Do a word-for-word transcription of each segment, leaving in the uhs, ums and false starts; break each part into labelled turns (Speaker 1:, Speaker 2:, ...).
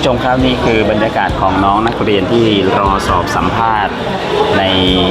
Speaker 1: ผู้ชมครับนี่คือบรรยากาศของน้องนักเรียนที่รอสอบสัมภาษณ์ใน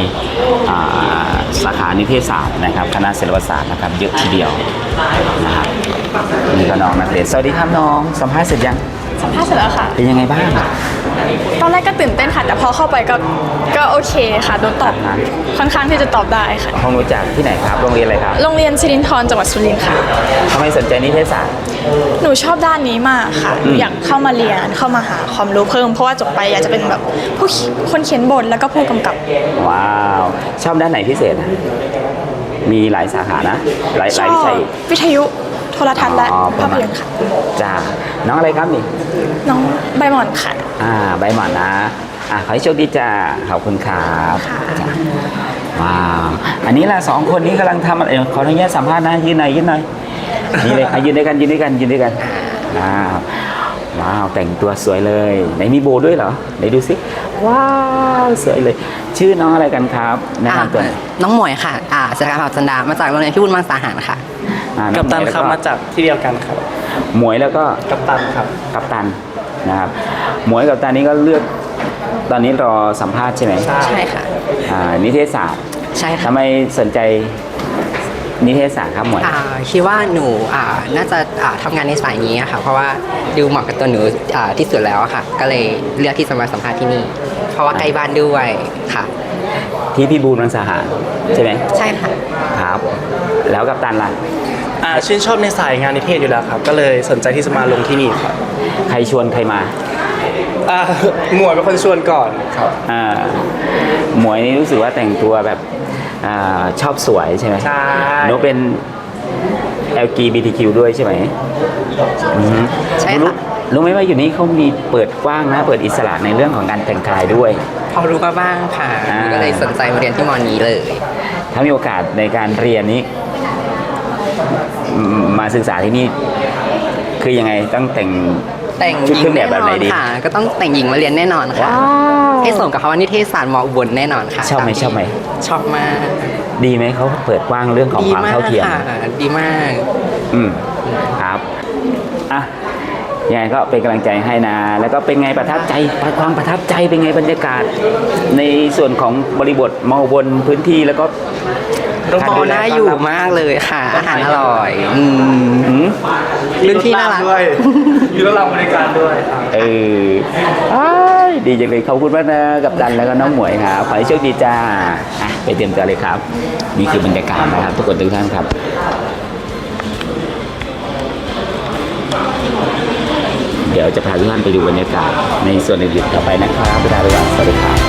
Speaker 1: สาขานิเทศศาสตร์นะครับคณะศิลปศาสตร์นะครับเยอะทีเดียวนะครับนี่ก็น้องนักเรียนสวัสดีครับน้องสัมภาษณ์เสร็จยัง
Speaker 2: สัมภาษณ์เสร็จแล้วค่ะ
Speaker 1: เป็นยังไงบ้าง
Speaker 2: ตอนแรกก็ตื่นเต้นค่ะแต่พอเข้าไปก็ก็โอเคค่ะโดนตอบค่อนข้างที่จะตอบได้ค่ะ
Speaker 1: ห้องรู้จักที่ไหนครับโรงเรียนอะไรครับ
Speaker 2: โรงเรียนสิรินธรจังหวัดสุรินทร์ค่ะ
Speaker 1: ทำไมสนใจนิเทศศาสตร์
Speaker 2: หนูชอบด้านนี้มากค่ะอยากเข้ามาเรียนเข้ามาหาความรู้เพิ่มเพราะว่าจบไปอยากจะเป็นแบบผู้คนเขียนบทแล้วก็ผู้กำกับ
Speaker 1: ว้าวชอบด้านไหนพิเศษมีหลายสาขานะหลายหลายวิชา
Speaker 2: วิทยุโทรทัศน์และภาพยนตร์ค่ะ
Speaker 1: จ้าน้องอะไรครับนี่
Speaker 2: น้องใบหม่อนค่ะ
Speaker 1: อ่าใบหม่อนนะอ่ะขอให้โชคดีจ้าขอบคุณครับว้าวอันนี้ล่ะสองคนนี้กำลังทำอะไรขออนุญาตสัมภาษณ์นะยืนหน่อยยืนหน่อยนี่เลยค่ะยืนด้วยกันยืนด้วยกันยืนด้วยกันว้าวว้าวแต่งตัวสวยเลยไหนมีโบด้วยเหรอไหนดูสิว้าวสวยเลยชื่อน้องอะไรกันครับแนะนำตัว
Speaker 3: น้องหมวยค่ะอ่าสกาเผ่าจันดามาจากโรงเรียนพิบูลมังสาหารค่ะ
Speaker 4: กัปตันครับมาจากที่เดียวกันครับ
Speaker 1: หมวยแล้วก็
Speaker 4: กัปตันครับ
Speaker 1: กัปตันนะครับหมวยกับกัปตันนี้ก็เลือกตอนนี้รอสัมภาษณ์ใช่ไหม
Speaker 3: ใช่ค่ะ
Speaker 1: อ่านิเทศศาสตร์
Speaker 3: ใช่ค่ะ
Speaker 1: ทำไมสนใจนิเทศศาสตร์ครับหมวย
Speaker 3: คิดว่าหนูอ่าน่าจะอ่าทำงานในสายนี้ค่ะเพราะว่าดูเหมาะกับตัวหนูอ่าที่สุดแล้วค่ะก็เลยเลือกที่จะมาสัมภาษณ์ที่นี่เพราะว่าใกล้บ้านด้วยค่ะ
Speaker 1: ที่พิบูลมังสาหารใช่ไหม
Speaker 3: ใช่ค่ะ
Speaker 1: ครับแล้วกัปตันล่ะ
Speaker 4: อ่าชื่นชอบในสายงานนิเทศอยู่แล้วครับก็เลยสนใจที่จะมาลงที่นี่ครับ
Speaker 1: ใครชวนใครมา
Speaker 4: อ่าหมวยเป็นคนชวนก่อนครับ
Speaker 1: อ่าหมวยนี่รู้สึกว่าแต่งตัวแบบอ่าชอบสวยใช่ไหม
Speaker 4: ใช่
Speaker 1: หนูเป็น แอล จี บี ที คิว ด้วยใช่ไหม
Speaker 3: ใช่ค่ะ
Speaker 1: รู้ไหมว่าอยู่นี่เขามีเปิดกว้างนะเปิดอิสระในเรื่องของการแต่งกายด้วย
Speaker 3: พอรู้มาบ้างค่ะก็เลยสนใจมาเรียนที่มอนี้เลย
Speaker 1: ถ้ามีโอกาสในการเรียนนี้มาศึกษาที่นี่คือยังไงต้องแต่ง
Speaker 3: แต่ง
Speaker 1: ชุดเครื่องแบบแบบไหนดี
Speaker 3: ค่ะก็ต้องแต่งหญิงมาเรียนแน่นอนค่ะให้ส่งกับคำว่านิเทศศาสตร์มออุบลแน่นอนค่ะ
Speaker 1: ชอบไหมชอบไหม
Speaker 3: ชอบมาก
Speaker 1: ดีไหมเขาเปิดกว้างเรื่องของความเท่าเทียม
Speaker 3: ดีมาก
Speaker 1: อืมครับอ่ะยังไงก็เป็นกำลังใจให้นะแล้วก็เป็นไงประทับใจความประทับใจเป็นไงบรรยากาศในส่วนของบริบทมอบนพื้นที่แล้วก็
Speaker 3: โรงพยาบาลน่าอยู่มากเลยค่ะอาหารอร่อย
Speaker 4: รุ่นที่น่ารักด้วยอยู่แล้วเราบริการด้วย
Speaker 1: เออดีจังเลยขอบคุณมากนะกับดันแล้วก็น้องหมวยครับขอให้โชคดีจ้าไปเตรียมตัวเลยครับนี่คือบรรยากาศนะครับทุกคนทุกท่านครับเดี๋ยวจะพาทุกท่านไปดูบรรยากาศในส่วนอื่นๆต่อไปนะครับเวลาไปก่อนสวัสดีครับ